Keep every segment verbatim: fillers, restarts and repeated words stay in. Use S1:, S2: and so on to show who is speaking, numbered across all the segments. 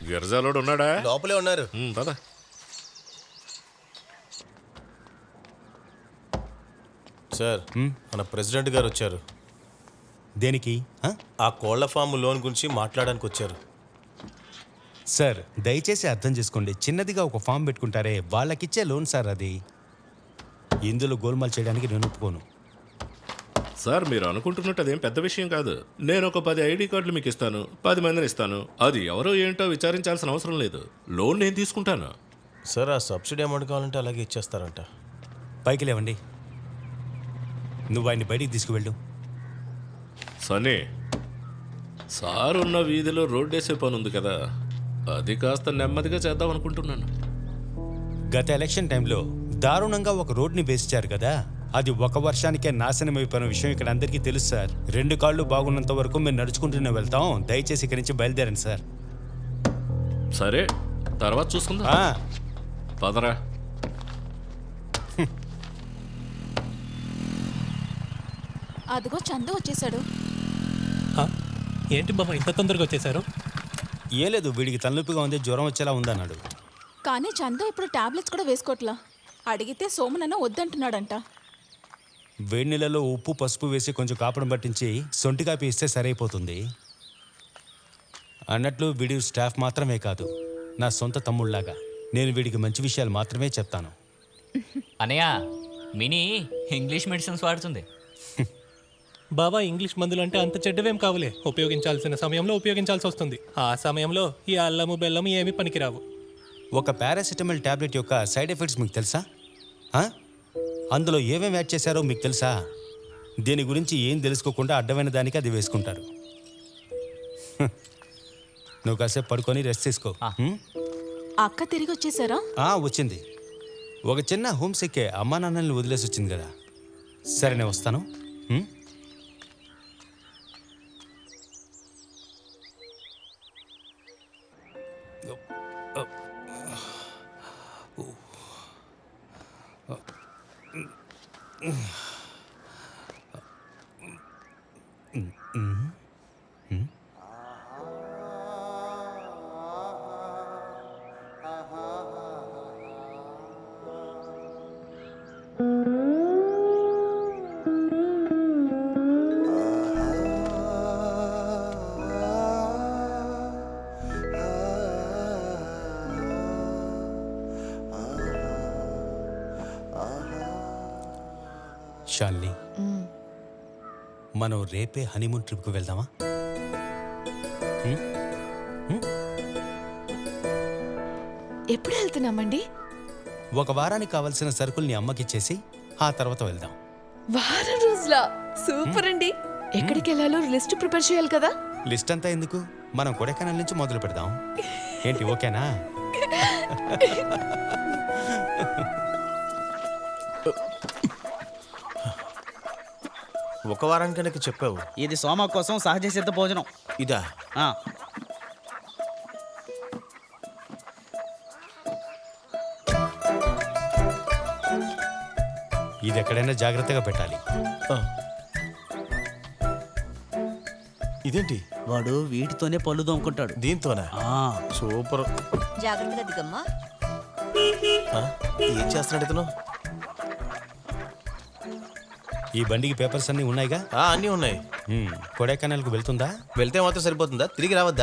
S1: గిరిజాలోడు ఉన్నాడా?
S2: లోపలే ఉన్నారు.
S1: పద.
S2: సార్, మన ప్రెసిడెంట్ గారు వచ్చారు.
S3: దేనికి?
S2: ఆ కోళ్ల ఫామ్ లోన్ గురించి మాట్లాడడానికి వచ్చారు.
S3: సార్ దయచేసి అర్థం చేసుకోండి, చిన్నదిగా ఒక ఫామ్ పెట్టుకుంటారే వాళ్ళకిచ్చే లోన్ సార్ అది. ఇందులో గోల్మాల్ చేయడానికి నేను ఒప్పుకోను.
S1: సార్ మీరు అనుకుంటున్నట్టు అదేం పెద్ద విషయం కాదు. నేను ఒక పది ఐడి కార్డులు మీకు ఇస్తాను, పది మందిని ఇస్తాను. అది ఎవరో ఏంటో విచారించాల్సిన అవసరం లేదు. లోన్ నేను తీసుకుంటాను.
S2: సార్ ఆ సబ్సిడీ అమౌంట్ కావాలంటే అలాగే ఇచ్చేస్తారంట.
S3: పైకి లేవండి, నువ్వు ఆయన్ని బయటికి తీసుకువెళ్ళు.
S1: సనీ, సార్ ఉన్న వీధిలో రోడ్డేసే పని ఉంది కదా, అది కాస్త నెమ్మదిగా చేద్దాం అనుకుంటున్నాను.
S3: గత ఎలక్షన్ టైంలో దారుణంగా ఒక రోడ్ని వేసిచ్చారు కదా, అది ఒక వర్షానికే నాశనం అయిపోయిన విషయం ఇక్కడ అందరికీ తెలుసు సార్. రెండు కాళ్ళు బాగున్నంత వరకు మేము నడుచుకుంటూనే వెళ్తాం. దయచేసి ఇక్కడి నుంచి బయలుదేరండి సార్.
S1: సరే, తర్వాత చూసుకుందా. పదరా.
S4: అదిగో చందు వచ్చేసాడు.
S5: ఏంటి బాబా ఇంత తొందరగా వచ్చేసారు?
S3: ఏ లేదు, వీడికి తలనొప్పిగా ఉంది, జ్వరం వచ్చేలా ఉందన్నాడు.
S4: కానీ చందు ఇప్పుడు టాబ్లెట్స్ కూడా వేసుకోవట్లా. అడిగితే సోమనన్న వద్దంటున్నాడంట.
S3: వేడి నీళ్ళలో ఉప్పు పసుపు వేసి కొంచెం కాపడం పట్టించి సొంటి కాపీ ఇస్తే సరైపోతుంది. అన్నట్లు వీడి స్టాఫ్ మాత్రమే కాదు, నా సొంత తమ్ముళ్లాగా. నేను వీడికి మంచి విషయాలు మాత్రమే చెప్తాను.
S6: అనయ్య, మినీ ఇంగ్లీష్ మెడిసిన్స్ వాడుతుంది.
S5: బాబా ఇంగ్లీష్ మందులు అంటే అంత చెడ్డవేం కావులే. ఉపయోగించాల్సిన సమయంలో ఉపయోగించాల్సి వస్తుంది. ఆ సమయంలో ఈ అల్లము బెల్లము ఏమీ పనికిరావు.
S3: ఒక పారాసిటమాల్ టాబ్లెట్ యొక్క సైడ్ ఎఫెక్ట్స్ మీకు తెలుసా? అందులో ఏమేమి యాడ్ చేశారో మీకు తెలుసా? దీని గురించి ఏం తెలుసుకోకుండా అడ్డమైన దానికి అది వేసుకుంటారు. నువ్వు కాసేపు పడుకొని రెస్ట్ తీసుకో.
S4: అక్క తిరిగి వచ్చేసారా?
S3: వచ్చింది. ఒక చిన్న హోమ్ సిక్కే అమ్మా నాన్నల్ని వదిలేసి వచ్చింది కదా. సరే నేను వస్తాను. శాలిని, మనం రేపే హనీమూన్ ట్రిప్కి వెళ్దామా?
S4: ఎప్పుడు వెళ్తున్నామండి?
S3: ఒక వారానికి కావాల్సిన సరుకుల్ని అమ్మకిచ్చేసి ఆ తర్వాత వెళ్దాం.
S4: వారం రోజుల సూపర్ అండి. ఎక్కడికి వెళ్ళాలో లిస్ట్ ప్రిపేర్ చేయాలి కదా.
S3: లిస్ట్ అంతా ఎందుకు, మనం కొడైకెనాల్ నుంచి మొదలు పెడదాం. ఏంటి, ఓకేనా?
S2: ఒక వారానికి నాకు చెప్పావు.
S7: ఇది సోమ కోసం సహజ సిద్ధ భోజనం.
S2: ఇదా?
S3: ఇది ఎక్కడైనా జాగ్రత్తగా పెట్టాలి.
S2: ఇదేంటి?
S7: వాడు వీటితోనే పళ్ళు దోముకుంటాడు.
S2: దీంతోనా? సూపర్.
S8: జాగ్రత్తగా దిగమ్మా.
S2: ఏం చేస్తున్నాడు ఇతను?
S3: ఈ బండికి పేపర్స్ అన్నీ ఉన్నాయిగా?
S2: అన్నీ ఉన్నాయి.
S3: కొడైకెనాల్కు వెళ్తుందా?
S2: వెళ్తే మాత్రం సరిపోతుందా? తిరిగి రావద్దా?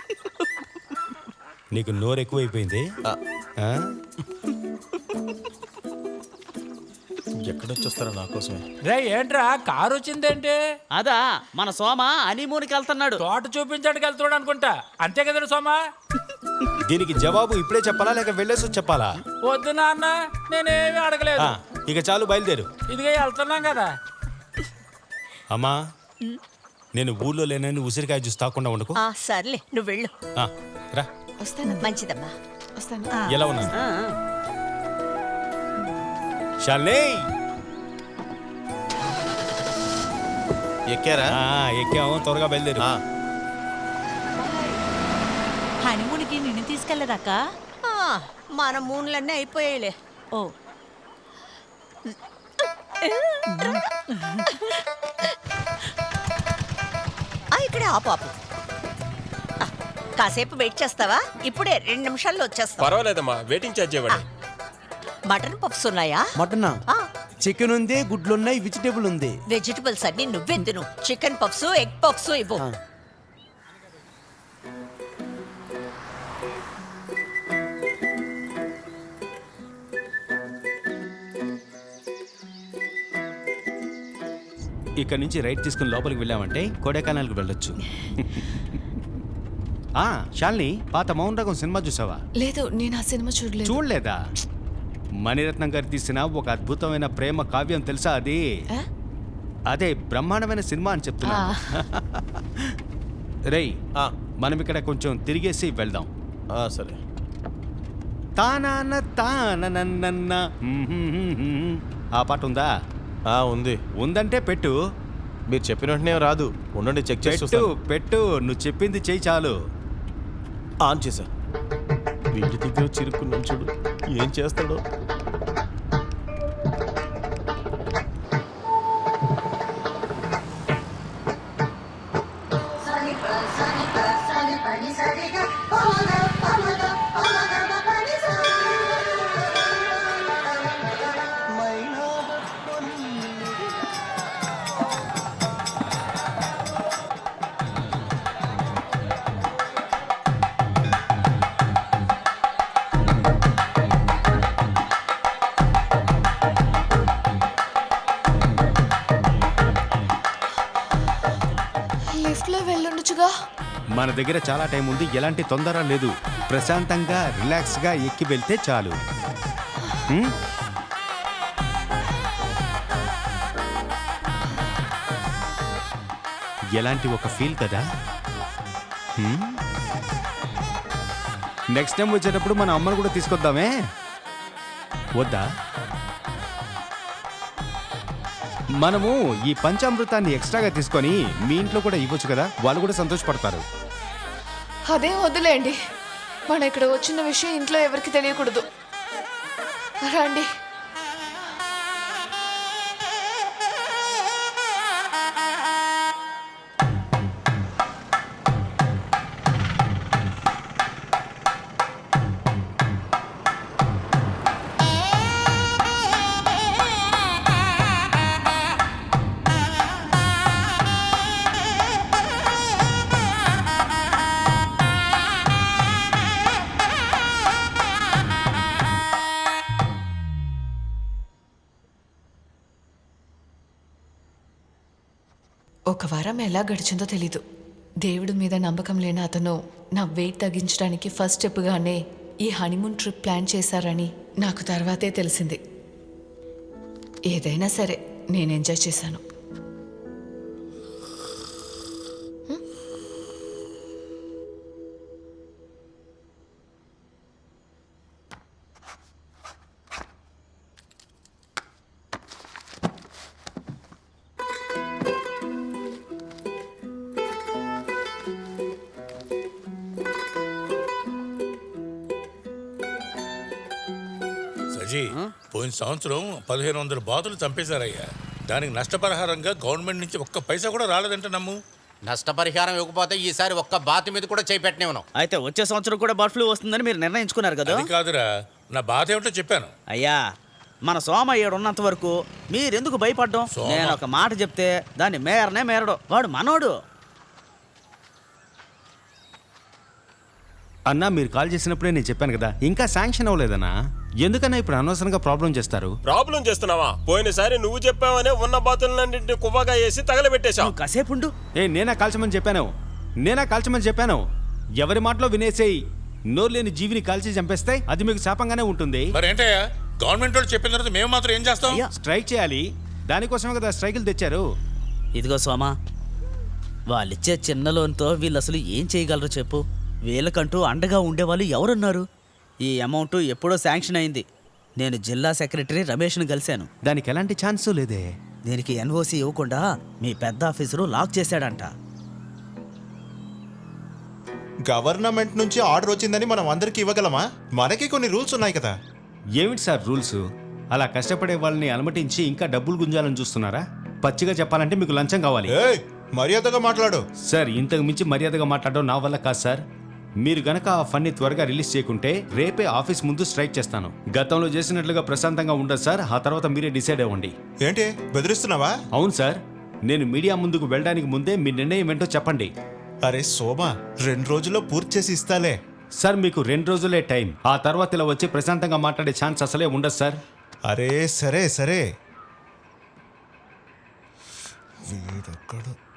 S3: నీకు నోరు ఎక్కువైపోయింది.
S2: ఎక్కడొచ్చేస్తారా నా కోసమే?
S9: రే ఏంట్రా కారు వచ్చిందేంటి?
S7: అదా మన సోమ హనీమూన్కి వెళ్తున్నాడు.
S9: తోట చూపించడానికి వెళ్తున్నాడు అనుకుంటా. అంతే కదా సోమా?
S3: దీనికి జవాబు ఇప్పుడే చెప్పాలా లేక వెళ్ళేసి చెప్పాలా?
S9: వద్దు నాన్న, నేనేమి అడగలేదు.
S3: ఇక చాలు, బయలుదేరు.
S9: ఇదిగా వెళ్తున్నాం కదా.
S3: అమ్మా, నేను ఊళ్ళో లేనని ఉసిరికాయ జ్యూస్ తాకుండా ఉండకు.
S8: సర్లే, నువ్వు వెళ్ళు.
S3: రా.
S8: వస్తాను. మంచిదమ్మా,
S4: వస్తాను.
S3: ఎలా ఉన్నా శాలిని?
S2: ఎక్కారా?
S3: ఎక్కాము, త్వరగా బయలుదేరు.
S8: హనీమూన్కి నిన్ను తీసుకెళ్ళదాక మన మూన్లన్నీ అయిపోయాయిలే. ఓ ఇక్కడ ఆపాపు. కాసేపు వెయిట్ చేస్తావా? ఇప్పుడే రెండు నిమిషాల్లో వచ్చేస్తా.
S10: పర్వాలేదమ్మా, వెయిటింగ్ ఛార్జ్ ఇవ్వండి.
S8: మటన్ పఫ్స్ ఉన్నాయా?
S11: మటన్
S8: ఆ,
S11: చికెన్ ఉంది, గుడ్లు ఉన్నాయి, వెజిటేబుల్ ఉంది.
S8: వెజిటబుల్స్ అన్ని నువ్వే తిను. చికెన్ పఫ్స్, ఎగ్ పఫ్స్ ఇవ్వు.
S11: ఆ.
S3: ఇక్కడ నుంచి రైట్ తీసుకుని లోపలికి వెళ్ళామంటే కొడైకెనాల్కి వెళ్ళొచ్చు. ఆ శాలిని, పాత మౌన్ రకం సినిమా చూసావా?
S4: లేదు, నేను ఆ సినిమా చూడలేదు.
S3: చూడలేదా? మణిరత్నం గారు తీసిన ఒక అద్భుతమైన ప్రేమ కావ్యం తెలుసా అది?
S4: ఆ?
S3: అదే బ్రహ్మాండమైన సినిమా అని చెప్తున్నా.
S4: ఆ.
S3: రేయ్,
S2: ఆ,
S3: మనం ఇక్కడ కొంచెం తిరిగేసి వెళ్దాం.
S2: ఆ, సరే.
S3: తానాన తాననన్న ఆ పాట ఉందా?
S2: ఆ, ఉంది.
S3: ఉందంటే పెట్టు.
S2: మీరు చెప్పిన వెంటనే రాదు, ఉండండి చెక్ చేసి
S3: పెట్టు
S2: చూస్తాను.
S3: పెట్టు నువ్వు చెప్పింది చెయ్యి చాలు.
S2: ఆన్ చేశా. వీడి దగ్గర చిరుక్కున్నాం చూడు, ఏం చేస్తాడో.
S4: లిఫ్ట్ లో వెళ్ళుండొచ్చుగా.
S3: మన దగ్గర చాలా టైం ఉంది, ఎలాంటి తొందర లేదు. ప్రశాంతంగా రిలాక్స్గా ఎక్కి వెళ్తే చాలు. హ్మ్? ఎలాంటి ఒక ఫీల్ కదా. హ్మ్? నెక్స్ట్ టైం వచ్చేటప్పుడు మన అమ్మను కూడా తీసుకొద్దామే, వద్దా? మనము ఈ పంచామృతాన్ని ఎక్స్ట్రాగా తీసుకొని మీ ఇంట్లో కూడా ఇవ్వచ్చు కదా, వాళ్ళు కూడా సంతోషపడతారు.
S4: అదేం వద్దులేండి, మనం ఇక్కడ వచ్చిన విషయం ఇంట్లో ఎవరికి తెలియకూడదు. రండి. ఒక వారం ఎలా గడిచిందో తెలీదు. దేవుడి మీద నమ్మకం లేని అతను నా వెయిట్ తగ్గించడానికి ఫస్ట్ స్టెప్గానే ఈ హనీమూన్ ట్రిప్ ప్లాన్ చేశారని నాకు తర్వాతే తెలిసింది. ఏదైనా సరే నేను ఎంజాయ్ చేశాను.
S12: సజీ, పోయిన సంవత్సరం పదిహేను వందల బాతులు చంపేశారయ్యా. దానికి నష్టపరిహారంగా గవర్నమెంట్ నుంచి ఒక్క పైసా కూడా రాలేదంట నమ్ము.
S13: నష్టపరిహారం ఇవ్వకపోతే ఈసారి ఒక్క బాతు మీద కూడా చేపెట్టనివ్వను.
S7: అయితే వచ్చే సంవత్సరం కూడా బర్డ్ ఫ్లూ వస్తుందని మీరు నిర్ణయించుకున్నారు కదా?
S12: అది కాదురా, నా బాధ ఏమిటో చెప్పాను.
S7: అయ్యా, మన సోమయ్యడు ఉన్నంత వరకు మీరెందుకు భయపడ్డం?
S12: సోమ.
S7: నేను ఒక మాట చెప్తే దాన్ని మేరనే మేరడు. వాడు మనోడు.
S3: అన్నా, మీరు కాల్ చేసినప్పుడే నేను చెప్పాను కదా, ఇంకా శాంక్షన్ అవ్వలేదన్నా. ఎందుకన్నా ఇప్పుడు అనవసరంగా ప్రాబ్లం చేస్తారు?
S10: ప్రాబ్లం చేస్తున్నావా? పోయినసారి నువ్వు చెప్పావనే ఉన్న బాతులన్నింటినీ కువ్వగా వేసి తగలబెట్టేశావు.
S7: నువ్వు కాసేపుండు.
S3: ఏ నేనా కాల్చమని చెప్పాను? నేనా కాల్చమని చెప్పాను? ఎవరి మాటలో వినేసేయి. నోరు లేని జీవిని కాల్చి చంపేస్తే అది మీకు శాపంగానే ఉంటుంది.
S12: మరేంటయ్యా, గవర్నమెంట్ వాళ్ళు చెప్పిన తర్వాత మేము మాత్రం ఏం చేస్తాం?
S3: స్ట్రైక్ చేయాలి. దానికోసమే కదా స్ట్రైకులు తెచ్చారు.
S7: ఇదిగో సోమా, వాళ్ళిచ్చే చిన్న లోన్తో వీళ్ళు అసలు ఏం చేయగలరు చెప్పు? వీళ్ళకంటూ అండగా ఉండేవాళ్ళు ఎవరున్నారు? ఈ అమౌంట్ ఎప్పుడో శాంక్షన్ అయింది. నేను జిల్లా సెక్రటరీ రమేష్ను కలిశాను.
S3: దానికి ఎలాంటి ఛాన్సు లేదే.
S7: దీనికి ఎన్ఓసి ఇవ్వకుండా మీ పెద్ద ఆఫీసరు లాక్ చేశాడంట.
S14: గవర్నమెంట్ నుంచి ఆర్డర్ వచ్చిందని మనం అందరికి ఇవ్వగలమా? మనకి కొన్ని రూల్స్ ఉన్నాయి కదా.
S3: ఏమిటి సార్ రూల్స్? అలా కష్టపడే వాళ్ళని అలమటించి ఇంకా డబ్బులు గుంజాలని చూస్తున్నారా? పచ్చిగా చెప్పాలంటే మీకు లంచం కావాలి.
S14: ఏయ్, మర్యాదగా మాట్లాడు.
S3: సార్, ఇంతకు మించి మర్యాదగా మాట్లాడడం నా వల్ల కాదు సార్. మీరు గనక ఆ ఫన్ని త్వరగా రిలీజ్ చేయకుంటే రేపే ఆఫీస్ ముందు స్ట్రైక్ చేస్తాను. గతంలో చేసినట్లుగా ప్రశాంతంగా ఉండదు సార్. ఆ తర్వాత మీరే డిసైడ్ అవ్వండి.
S14: ఏంటి బెదిరిస్తున్నావా?
S3: అవును సార్, నేను మీడియా ముందుకు వెళ్ళడానికి ముందే మీ నిర్ణయం ఏంటో చెప్పండి.
S14: అరే సోమా, రెండు రోజుల్లో పూర్తి చేసి ఇస్తాలే.
S3: సార్ మీకు రెండు రోజులే టైం. ఆ తర్వాత ఇలా వచ్చి ప్రశాంతంగా మాట్లాడే ఛాన్స్ అసలే ఉండదు సార్.
S14: అరే సరే సరే వీడొక్కడు